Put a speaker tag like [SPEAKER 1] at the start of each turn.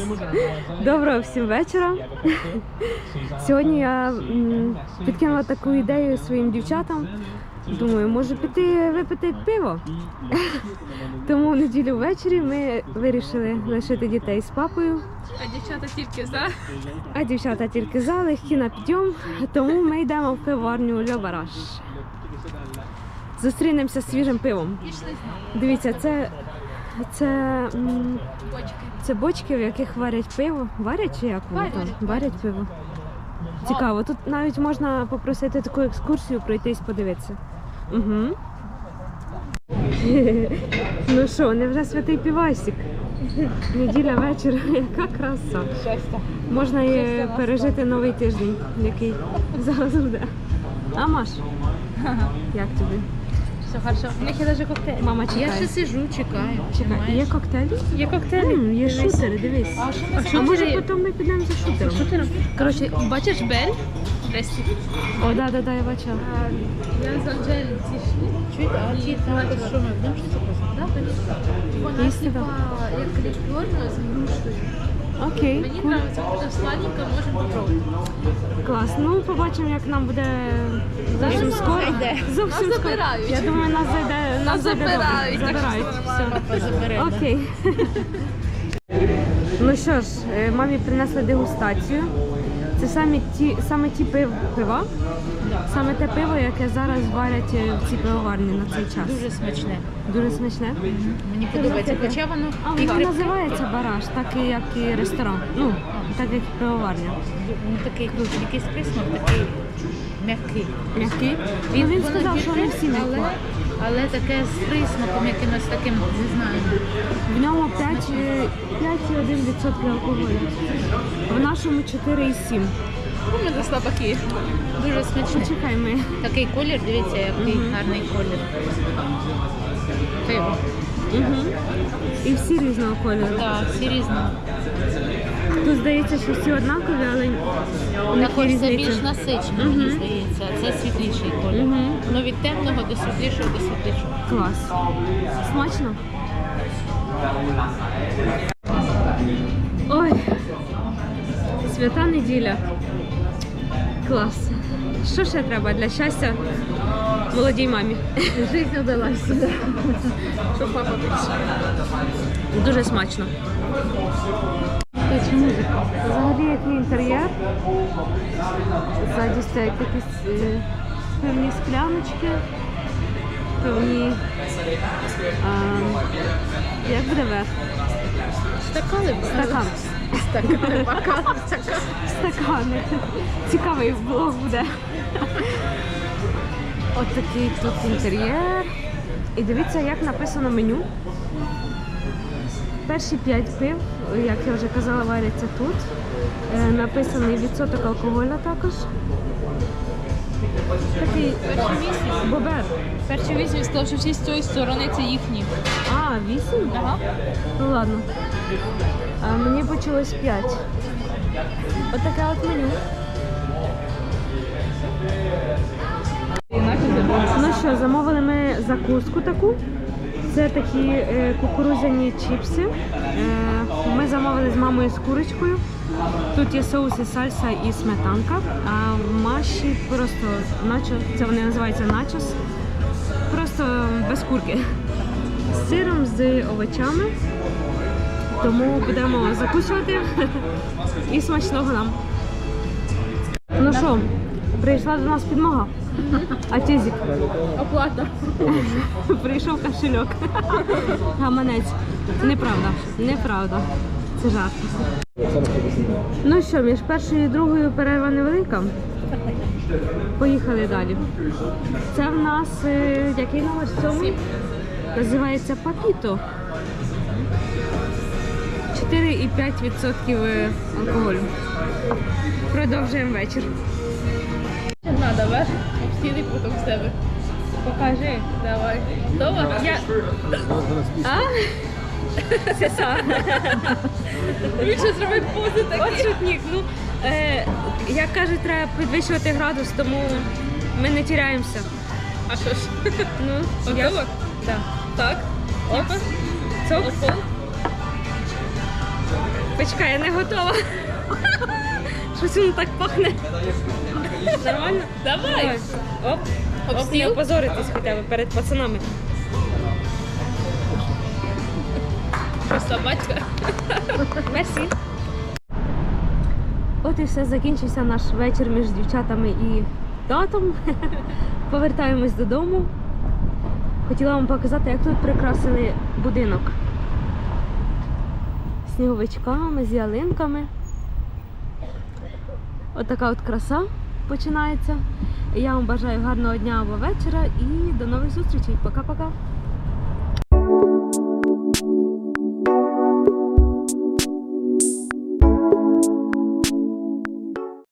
[SPEAKER 1] Доброго всім вечора. Сьогодні я підкинула таку ідею своїм дівчатам. Думаю, може піти випити пиво. Тому в неділю ввечері ми вирішили лишити дітей з папою. А дівчата тільки за, легкі на підйом. Тому ми йдемо в пивоварню Le Barrage. Зустрінемося з свіжим пивом. Дивіться, це бочки, в яких варять пиво. Варять чи як воно там? Варять пиво. Цікаво. Тут навіть можна попросити таку екскурсію пройтись, подивитися. Угу. Ну що, невже святий півасик? Неділя вечір, яка краса. Можна і пережити новий тиждень, який зараз буде. А, Маш? Як тобі?
[SPEAKER 2] Все хорошо. У них є навіть коктейль.
[SPEAKER 1] Мама чекає.
[SPEAKER 2] Я ще сиджу, чекаю.
[SPEAKER 1] Чекай, є коктейлі?
[SPEAKER 2] Є коктейлі.
[SPEAKER 1] Є шутери, дивись. А може потім ми підемо за шутером?
[SPEAKER 2] Шутером? Коротше, бачиш Бель?
[SPEAKER 1] О, да, я бачила.
[SPEAKER 2] Я з Анжелі зійшли. Чуєте, а ті там, що ми будемо щось записати? Вона типа як лікерна з грушею.
[SPEAKER 1] Окей.
[SPEAKER 2] Мені подобається, буде сладенька, можемо попробувати.
[SPEAKER 1] Клас. Ну, побачимо, як нам буде зовсім скоро. Зовсім
[SPEAKER 2] Нас
[SPEAKER 1] скоро.
[SPEAKER 2] забирають.
[SPEAKER 1] Я думаю, нас зайде добре. Забирають. Все. Окей. Ну що ж, мамі принесли дегустацію. Це саме ті пива, саме те пиво, яке зараз варять в цій пивоварні на цей час.
[SPEAKER 2] Дуже смачне.
[SPEAKER 1] Дуже смачне.
[SPEAKER 2] Мені подобається, хоча воно...
[SPEAKER 1] Воно називається Бараш, так як і ресторан, ну, так як і пивоварня.
[SPEAKER 2] Він такий, якийсь присмак, такий м'який.
[SPEAKER 1] М'який? Він сказав, що не всі м'які.
[SPEAKER 2] Але таке з присмаком якимось таким, не знаю.
[SPEAKER 1] В ньому 5,1% алкоголю. В нашому 4,7%.
[SPEAKER 2] Ми за слабаки. Дуже смачно.
[SPEAKER 1] Почекай ми.
[SPEAKER 2] Такий колір, дивіться, який гарний колір. Пиво.
[SPEAKER 1] І всі різного кольору.
[SPEAKER 2] Так, всі різні.
[SPEAKER 1] Тут здається, що всі однакові, але у них є
[SPEAKER 2] Також це більш
[SPEAKER 1] різниця.
[SPEAKER 2] насичено, мені здається. Це світліший колір. Ну від темного до світлішого до світлішого.
[SPEAKER 1] Клас. Смачно? Ой, свята неділя. Клас. Що ще треба для щастя молодій мамі?
[SPEAKER 2] Життя вдалася. Щоб папа прийшов.
[SPEAKER 1] Дуже смачно. Взагалі який інтер'єр. Ззаді стоять такі певні скляночки, певні... як буде верх?
[SPEAKER 2] Стакани?
[SPEAKER 1] Стакан. Стакани. Цікавий влог буде. Ось такий тут інтер'єр. І дивіться, як написано меню. Перші 5 пив, як я вже казала, варяться тут. Написаний відсоток алкоголю також. Такий бобер.
[SPEAKER 2] Перші 8 сказав, що всі з цієї сторони це їхні.
[SPEAKER 1] А, 8?
[SPEAKER 2] Ага.
[SPEAKER 1] Ну ладно. Мені почалось 5. Ось таке от меню. Ну що, замовили ми закуску таку. Це такі кукурудзяні чіпси. Ми замовили з мамою з курочкою. Тут є соуси, сальса і сметанка. А в Маші просто начо, це вони називаються начос. Просто без курки. З сиром, з овочами. Тому будемо закусувати. І смачного нам. Ну що, прийшла до нас підмога. А тізик?
[SPEAKER 2] Оплата.
[SPEAKER 1] Прийшов кошельок. Гаманець. Неправда. Неправда. Це жарт. Ну що, між першою і другою перерва невелика. Поїхали далі. Це в нас, який номер в цьому? Називається Папіто. 4,5% алкоголю. Продовжуємо вечір.
[SPEAKER 2] Надо, ваш? Обстіли потім в себе.
[SPEAKER 1] Покажи.
[SPEAKER 2] Давай. Дома? Я...
[SPEAKER 1] А? Сеса.
[SPEAKER 2] Він ще зробив пози такі.
[SPEAKER 1] От шутник. Ну, як кажуть, треба підвищувати градус, тому ми не тіряємося.
[SPEAKER 2] А що ж?
[SPEAKER 1] Ну,
[SPEAKER 2] я...
[SPEAKER 1] Да.
[SPEAKER 2] Так. Опа.
[SPEAKER 1] Цок.
[SPEAKER 2] Опа.
[SPEAKER 1] Почекай, я не готова. Щось воно так пахне. Нормально?
[SPEAKER 2] Давай.
[SPEAKER 1] Оп. Оп, не опозоритись хоча б перед пацанами.
[SPEAKER 2] Просто батька.
[SPEAKER 1] Мерсі. От і все, закінчився наш вечір між дівчатами і татом. Повертаємось додому. Хотіла вам показати, як тут прикрасили будинок. Сніговичками, з ялинками. От така от краса починається. Я вам бажаю гарного дня або вечора і до нових зустрічей. Пока-пока.